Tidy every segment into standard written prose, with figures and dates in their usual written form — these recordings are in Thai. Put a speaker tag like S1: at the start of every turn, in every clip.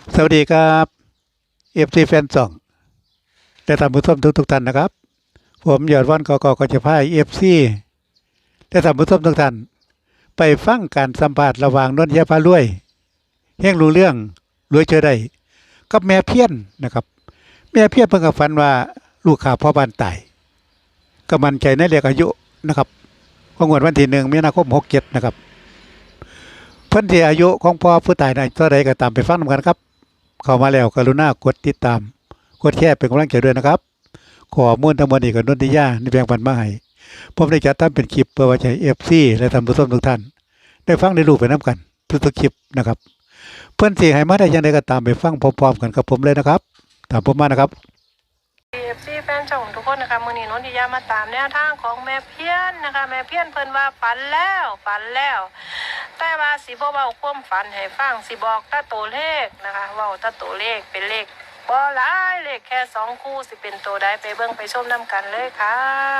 S1: สวัสดีครับFCแฟนสองและท่านผู้ชมทุกท่านนะครับผมยอดวันกจะพาFCและท่านผู้ชมทุกท่านไปฟังการสัมภาษณ์ระหว่างนนทยาพารวยเฮงรู้เรื่องรวยเจอได้กับแม่เพี้ยนนะครับแม่เพี้ยนเพิ่งกับฝันว่าลูกข่าพ่อบ้านตายก็มั่นใจในเลขอายุนะครับของงวดวันที่1 มีนาคม67นะครับเพิ่นที่อายุของพ่อผู้ตายนั้นเท่าใดก็ตามไปฟังนำกันครับเข้ามาแล้วกรุณากดติดตามกดแชร์เป็นกำลังใจด้วยนะครับขอมูลทั้งหมดนี้กับนนทิยาในแบ่งปันมาให้ผมได้จัดทำเป็นคลิปเพื่อไว้ใช้ FC และท่านผู้ชมทุกท่านได้ฟังได้รู้ไปนํกันทุกๆคลิปนะครับเพิ่นสิให้มาได้จังไดก็ตามไปฟังพร้อมๆกันกับผมเลยนะครับตามผมมานะครับ
S2: FC แฟนช่องทุกคนนะคะมื้อนี้นนทิยามาตามแนวทางของแม่เพี้ยนนะคะแม่เพี้ยนเพิ่นว่าฝันแล้วแต่ว่าสิบ่เว้าความฝันให้ฟังสิบอกแต่ตัวเลขนะคะเว้าแต่ตัวเลขเป็นเลขบ่หลายเลขแค่2คู่สิเป็นตัวใดไปเบิ่งไปชมนํกันเลยค่ะ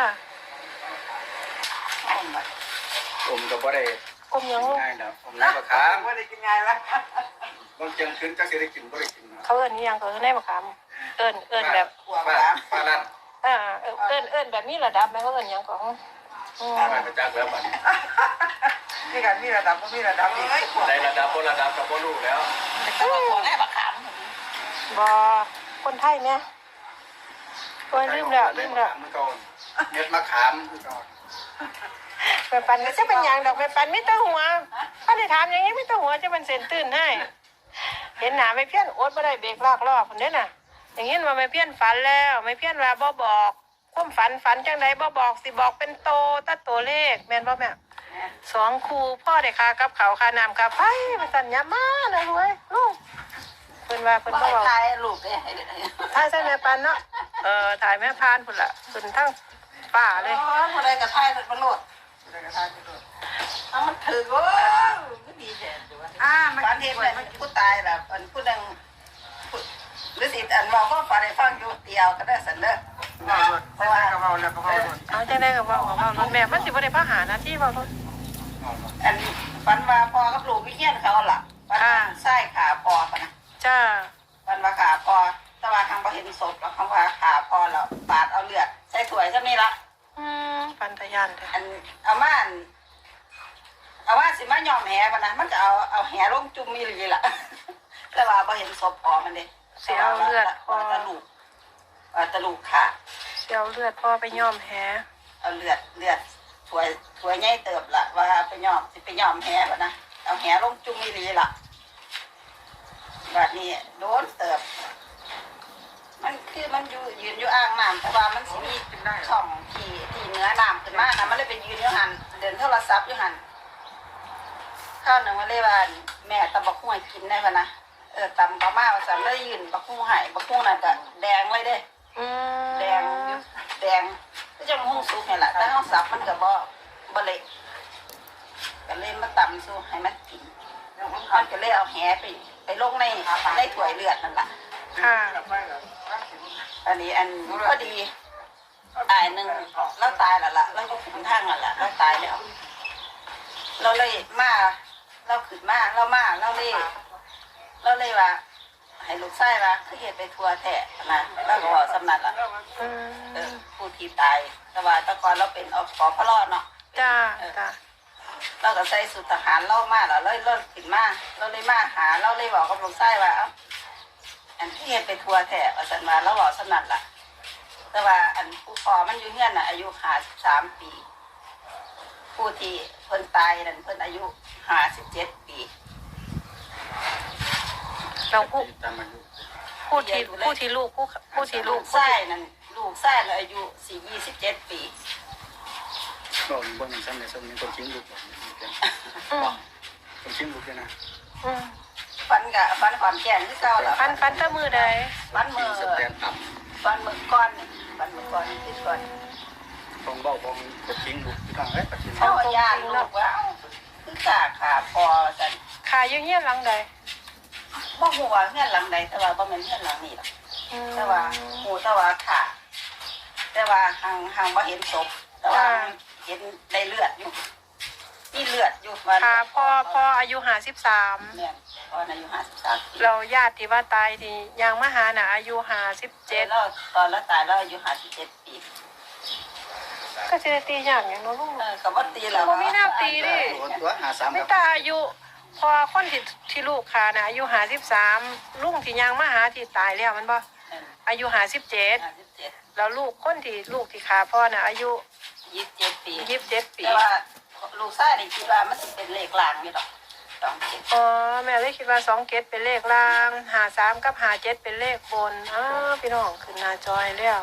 S3: ผมก็บ่ได้
S2: กลมยังลูก
S3: ง่ายนะผมน้ำมะขาม
S4: ไม่ได้กินง่ายละ
S3: บางเจียงคืนก็สิได้กินบ่ได้กินนะ
S2: เขาเอิ้นอิหยังเขาเอิ้นได้บ่คำเอิ้นแบบ
S3: ป้านั่น
S2: เอิ้นแบบมีระดับไหมเขาเอิ้นหยังของ
S3: ป้าไปประจักษ์แล้วบัดนี้
S4: นี่กันมีระดับก็มีระดับอีก
S3: ได้ระดับบ่ระดับก็บ่รู้แล้ว
S4: แต่ว่าของแม่บักขาม
S2: บ่คนไทยแม่โอ้ยลืมแล้ว
S3: มันก็เม็ดมะขามคือก่อน
S2: แม่ปันก็จะเป็นอย่างดอกแม่ปันไม่ต้องหัวถ้าได้ถามอย่างนี้ไม่ต้องหัวจะเป็นเส้นตื่นให้เห็นหนาไม่เพี้ยนอดไม่ได้เบรกลากรอบคนนี้น่ะอย่างนี้ว่าไม่เพี้ยนฝันแล้วไม่เพี้ยนว่าบ่บอกความฝันจังไดบ่บอกสิบอกเป็นโตตัดตัวเลขแม่นบ่แม่2คู่พ่อได้ค่ากับเขาวค่าน้ำค่าไฟมาสั่นยามาเลยรวยลูกเพิ่นว่าเพิ่นบ่บอก
S4: ตายลูกเลย
S2: ถ่ายใส่แม่ปันเนาะถ่ายแม่พานพุ่นล่ะขึ้นทั้งป่าเลย
S4: คนใดกระทายมันโลดคนใดกระทายมันโลดมันถือว่าก็ดีแท้มันฝันเห็นเลยมันผู้ตายล่ะมันผู้ดังหรือสิอันว่าก็ฝันให้ฟังอยู่เดียวก็ได้สันเด้อเพราะว่าก็เมาแล้วก็เมา
S2: เอาจังได๋ก็เว้าของเว้ารถแม่มันสิบ่ได้พาหาหน้าที่เว้ารถ
S4: อันฝันว่าพ่อกับลูกพี่เฮียนเขาล่ะฝันใส่ขาพ่อปะนะ
S2: จ้า
S4: ฝันว่าขาพ่อแต่ว่าทางบ่เห็นศพแล้วคำว่าขาพ่อแล้วปาดเอาเลือดใส่ถ้วยซะนี่ละ
S2: ปันทะยานเด้อ
S4: อันเอามาสิมายอมแหปะนะมันจะเอาแหลงจุ่มมีหลีล่ะ แต่ว่าพอเห็นศพพอมันเด้
S2: สิเอาเลือดพ่อ
S4: ตะลูกขาด
S2: สิเอาเลือดพ่อไปย้อมแห
S4: เอาเลือดถวยใหญ่เติบละว่าไปยอมสิไปยอมแหปะนะเอาแหลงจุ่มมีหลีล่ะแบบนี้โดนเติบมันคือมันยืนอยู่อ่างน้ำแต่ว่ามันสิมีช่องที่เนื้อน้ำขึ้นมานะมันเลยเป็นยืนอยู่หันเดินโทรศัพท์อยู่หันข้าวหนึ่งมาเลยว่าแม่ตำบักหุ่งกินได้ปะนะตำปลาม่าภาษาเลยยืนบักหุ่งหายบักหุ่งนั่นก็แดงเลยเด้แดงก็จะหุ่งสุกนี่แหละแต่ห้องสับมันก็บ่เละก็เลยมาตำสู้ให้มันกินมันก็เลยเอาแหไปลงในถ้วยเลือดนั่นแหละ
S2: ค่ะ
S4: อันนี้พอดีตายหนึ่งแล้วตายแล้วล่ะแล้วก็ขุนทางแล้วล่ะแล้วตายแล้วเราเลยมาเราขึ้นมาเราเลยว่าให้ลูกไส้ว่าคือเหตุไปทัวแท้นะแล้วก็บอกสำนักล่ะผู้ที่ตายแต่ว่าตะกอนเราเป็นอปพลอเนาะ
S2: จ้า
S4: เราก็ใส่สุดทหารเล่ามาแล้วเราขึ้นมาเราเลยมาหาเราเลยบอกกับลูกไส้ว่าอันที่เหตุไปทัวแท้สันมาเราบอกสำนักล่ะแต่ว่าอันผู้พอมันอยู่เงี้ยน่ะอายุ53 ปีผู้ที่เพิ่นตายนั่นเพิ่นอายุ57 ปี
S2: เราผู้
S3: ตามอายุ
S2: ที่ลูก
S4: ไส้นั่นลูกไส้เลยอายุ27 ปี
S3: ก็บ่มีซ้ำในซ้ำนี้คนชิงลูกคนชิงลูกนะ
S4: ฟันขอนแก่นที่เก่าล่ะ
S2: ฟันตะมือใด
S4: ฟันมือ
S3: สแตนต่ำ
S4: ฟันมือก้อนที่ก่อน
S3: ของเบาของคนชิงลูกที่ทางปัจจุบัน
S4: เอาญาติลูกว่าคือกาขาพอสัน
S2: ขาอยู่เฮียนหลังใด
S4: บ่หัวเงื่อนหลังใดแต่ว่าบ่แม่นเงื่อนหลังนี่หรอกแต่ว่าหูแต่ว่าขาแต่ว่าหางบ่เห็นศพแต่ว่าเห็นได้เลือดอยู่มีเลือดอยู่วัน
S2: ค่ะพ่ออายุ53
S4: เนี่ยพ่ออายุ53 ปี
S2: เราญาติที่ว่าตายที่ยังมาหาน่ะอายุ57
S4: แล้วตอนแล้วตายแล้วอายุ57 ปี
S2: ก็สิได้ตียากอย่างเนาะลุง
S4: ก็บ่ตีแล้ว
S2: บ่มีแนวตีดิ
S3: โอนตัว53
S2: ไม่
S3: ครับ
S2: ตาอายุพอคนที่ลูกขาน่ะอายุ53ลุงที่ยังมาหาที่ตายแล้วมันบ่อายุ57แล้วลูกคนที่ลูกที่ขาพ่อน่ะอายุ
S4: 27 ปี
S2: 27 ปี
S4: แต่ว่าลูกชายนี่คิดว่ามันสิเป็นเลขลางอยู่ดอก27
S2: อ๋อแม่เลยคิดว่า27เป็นเลขล่าง53กับ57เป็นเลขบนพี่น้องขึ้นหน้าจอยแล้ว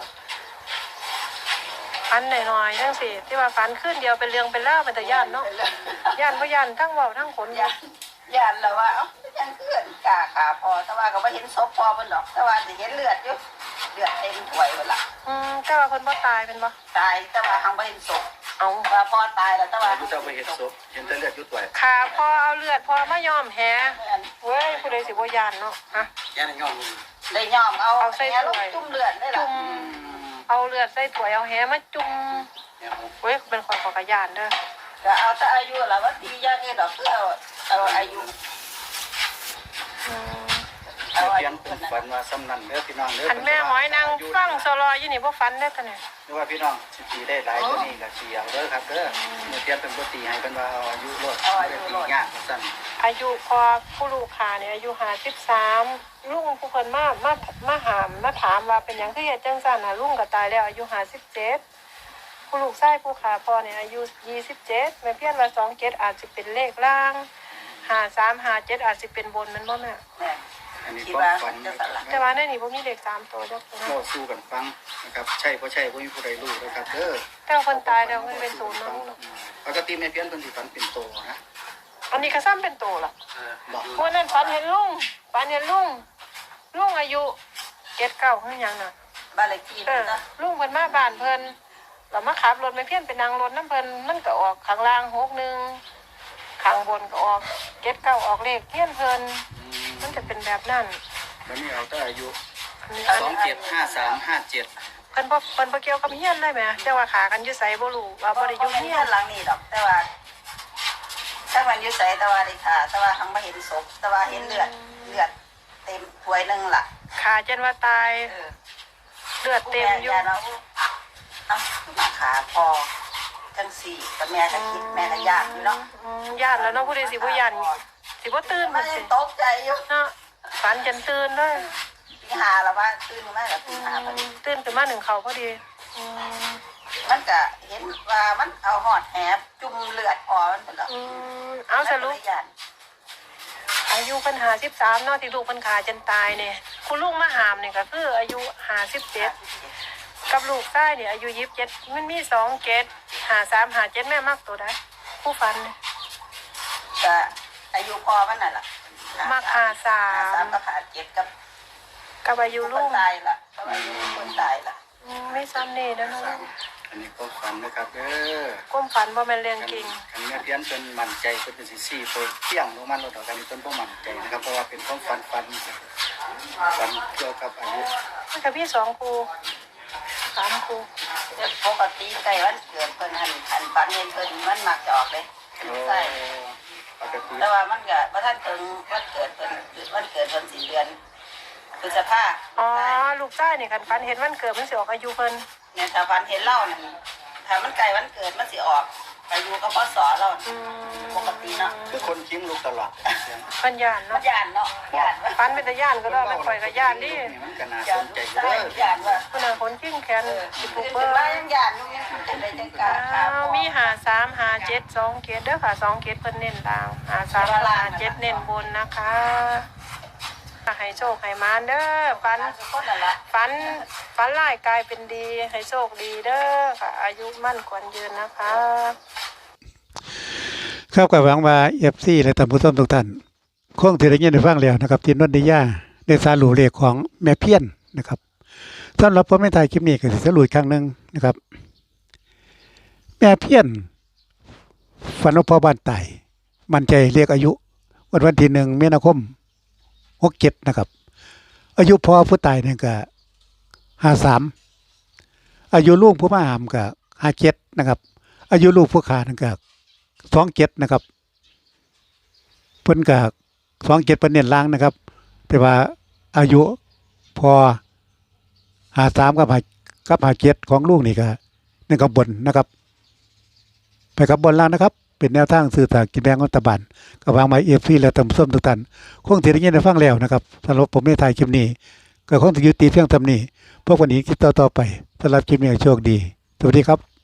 S2: ฟันหน่อยๆจังสิที่ว่าฟันขึ้นเดียวเป็นเรื่องเป็นเล่าวเป็นแต่ย่านเนาะย่านบ่ย่านทั้งเว้าทั้งขน
S4: ย่านแล้วว่าเอ้ายังเกินกาขาพอแต่ว่าก็บ่เห็นศพพอเพิ่นดอกแต่ว่าสิเห็นเลือดอยู่เลือดเต็มถ้วยเพิ่นล่ะ
S2: แต่ว่าเพิ่นบ่ตายเป็นบ่
S4: ตายแต่ว่าหังบ่เห็นศพ
S2: เอา
S4: ว่าพ่อตายแล้วแต่ว่า
S3: ผู้เจ้าไปเห็นศพเห็นแต่เลือดอยู่ตัว
S2: ขาพ่อเอาเลือดพ่อมายอมแห
S4: แม่น
S2: เว้ยผู้ใดสิบ่ย่านเนาะฮะ
S3: แย่ในย่อง
S4: ได้ยอมเอา
S2: เอาใส่
S4: แหล
S2: ถ้
S4: ง
S2: วย
S4: จุ่มเลือดได้ล่ะ
S2: จุ่มเอาเลือดใส่ถ้วยเอาแหมาจุ่มเว้ยเป็นคนขอกระยานเด้อ
S4: ก็เอาแต่อายุล่ะว่าตีอย่างนี้ดอกคือเอาอายุ
S2: อืม
S4: เอาอา
S3: เพีย
S4: ยุ
S3: น
S4: เพิ่น
S3: ฝั
S4: น่ะ
S3: นว่าซ้ำนั่นเด้อพี่น้องเด้อ
S2: อันแม่หมอยนางฟังสลอยอยู่นี่บ่ฟันได้อตะเนี่ย
S3: หรือว่าพี่น้องสิตีได้หลายกว่านี้ก็สิเอาเด้อครับเด้อเมื่อเพียนเป็นบ่ตีให้เพิ่นว่าเอาอายุรถบ่ได้ตียากซั่น
S2: อายุพอผู้ลูกค้าเนี่ยอายุ53ลุงผู้เพิ่นมาหามมาถามว่าเป็นหยังคือเฮ็ดจังซั่นน่ะลุงก็ตายแล้วอายุ57ผู้ลูกชายผู้ขาพ่อเนี่ยอายุ27แม่เพี้ยนว่า27อาจสิเป็นเลขล่าง53 57อาจสิเป็นบนมันบ่แม่
S4: แม่น
S3: อันนี้
S4: คิด
S3: ก็
S4: ว่า
S3: ฝัน
S4: จะ
S3: นะ
S4: สั่น
S3: ครั
S4: ล่ะ
S3: บ
S2: แต่ว่าในนี้บ่มีเลข3ตัวจักตัว
S3: โม่สู้กันฟังนะครับใช่บ่ใช่บ่มีผู้ใดรู้นะครับเด้อ
S2: แต่ว่าคนตายแล้วมันเป็นศูนย์เนาะ
S3: ปกติแม่เพียนเพิ่นสิฝันเป็นโตนะ
S2: อันนี้ก็ซ้ำเป็นตัวล่ะ
S3: บอก
S2: วันนั้นฝันเห็นลุงอายุ79คือหยังน่ะ
S4: บ้านเลขที่นั่นนะ
S2: ลุงเพิ่นมาบ้านเพิ่นเรามาขับรถไปเพี้ยนไปนั่งรถน้ำเพิ่นมันก็ออกข้างล่าง61ข้างบนก็ออก79ออกเลขเพี้ยนเพิ่นมันจะเป็นแบบนั้น
S3: วันนี้เอาแต่อายุ
S2: อันนี้
S3: 275357
S2: เพิ่นบ่เกี่ยวกับเฮียนเลยแหมแต่ว่าขากันอยู่ไสบ่รู้ว่าบ่ได้อยู่
S4: เฮี
S2: เฮี
S4: ย
S2: ย
S4: น
S2: น
S4: หลังนี้ดอกแต่ว่าถ้ามันอยู่ใส่แต่ว่าได้ค่ะแต่ว่าหังบ่เห็นศพแต่ว่าเห็นเลือดเต็มถ้วยนึงล่ะ
S2: ขาจนว่าตาย
S4: เออ
S2: เลือดเต็มอยู่
S4: แม่เราเอามาขาพอจังสี่กับแม่ก็คิดแม่ก็ยากอยู่เนาะ
S2: ย่านแล้วเนาะผู้ใดสิบ่ย่านสิบ่ตื่น
S4: มั
S2: พุ่
S4: น
S2: นสิ
S4: ตกใจอยู่
S2: เนาะฝันจนตื่นเลย
S4: ตีหาแล้วว่าตื่นมาแล้วตีหาพอดี
S2: ตื่นขึ้นมาหนึ่งเขาพอดี
S4: มันก็เห็นว่ามันเอาหอดแหบจุ่มเลือดออกมันหมดแล้ว
S2: เอาสรุป
S4: มันก็เลยย่าน
S2: อายุปัญหา13เนาะที่ลูกปัญขาจนตายเนี่ยคุณลูกมาหามเนี่ยก็คืออายุ57กับลูกชายเนี่ยอายุ27มันมี2เกต53 57แม่มักตัวใดผู้ฟันเนี่ย
S4: ก็อายุพอมันน่ะล่ะ
S2: มัก
S4: สาม
S2: 53
S4: ก็ขาด7กับ
S2: กับอายุ
S4: ค
S2: ลู
S4: น
S2: ก
S4: ตายล่ะก็อายุคนตายล่ะ
S2: ไม่ซ้ำนี่นะเนาะ
S3: อันนี้ก็ฝันนะครับเด้อ
S2: ก้มฝันบ่แม่นเรื่องจริง
S3: อันนี้เพี้ยนเป็นมั่นใจเป็นสิซี่ตัวเที่ยงลงมันเราต่อกันนี้เป็นบ่มั่นใจนะครับเพราะว่าเป็นความฝันเกี่ยวกับอายุ
S2: มันก็พี่2ครู3ครู
S4: แต่ปกติใกล้วันเกิดเพิ่นหันปันเงินเพิ่นมันมักจะออกเลยใช่
S3: ปกติ
S4: แต่ว่ามันก็บ่ทันถึงวันเกิดเพิ่น4เดือนพฤษภา
S2: อ๋อลูกชายนี่คันฝันเห็นวันเกิดมันสิออกอายุเพิ่น
S4: เนี่ยถ้าฟันเห็นเล่านี่ถ้ามันใกล้วันเกิดมันสิออกอายุก็พศเราปกติเนาะ
S3: คือคนคิ้งลูกตลอด
S2: เพิ่นย่าน
S4: มัน
S2: เนาะ
S4: ย่านเนาะย่านว่า
S2: ฝันเป็นตาย่านก็ได้มันข่อยก็ย่านดิ
S3: มันก็น่า
S4: ย่า
S3: ส
S4: น
S3: นใจ
S4: ใช่
S3: เด้อ
S4: ย่านว่า
S2: เพิ่นน่ะคนขิ้งแขนสิ
S4: คื
S2: ปู
S4: อ
S2: เปิ้
S4: เป็น
S2: ล
S4: ว่าย่านอยู่จังได๋จังกะค่ะ
S2: มี53 57 2เกตเด้อค่ะ2เกตเพิ่นเน้นดาว53 57เน้นบนนะคะให้โชคให้มานเด้อฝัน
S4: คนนั่นล่ะ
S2: ฝันร้ายกลายเป็นดีให้โชคดีเด้อค่ะอายุมั่นขวัญยืนนะคะ
S1: ครับก็หวังว่า FC และท่านผู้ชมทุกท่านคงสิได้ยินได้ฟังแล้วนะครับที่นนทิยาได้สรุปเลขของแม่เพี้ยนนะครับสำหรับผมในท้ายคลิปนี้ก็สิสรุปอีกครั้งหนึงนะครับ แม่เพี้ยนฝันว่าพ่อบ้านตายมั่นใจเรียกอายุวันที่1มีนาคม67นะครับ อายุพ่อผู้ตายเนี่ยก็53อายุลูกผู้มาหามก็57นะครับ อายุลูกผู้ขานั่นก็ 27นะครับเพิ่นก็27เพิ่นเน้นล่างนะครับ แต่ว่าอายุพอ53กับ57ของลูกนี่ก็นั่นก็บนนะครับ ไปกับบนล่างนะครับ เป็นแนวทางสื่อสารกินแบงของรัฐบาลกับวางไม้FC และตำส้มทุกท่านคงสิได้ยินได้ฟังแล้วนะครับสำหรับผมในถ่ายคลิปนี้ก็คงสิยุติเพียงเท่านี้พบกันอีกคลิปต่อๆไปสำหรับคลิปนี้โชคดีสวัสดีครับ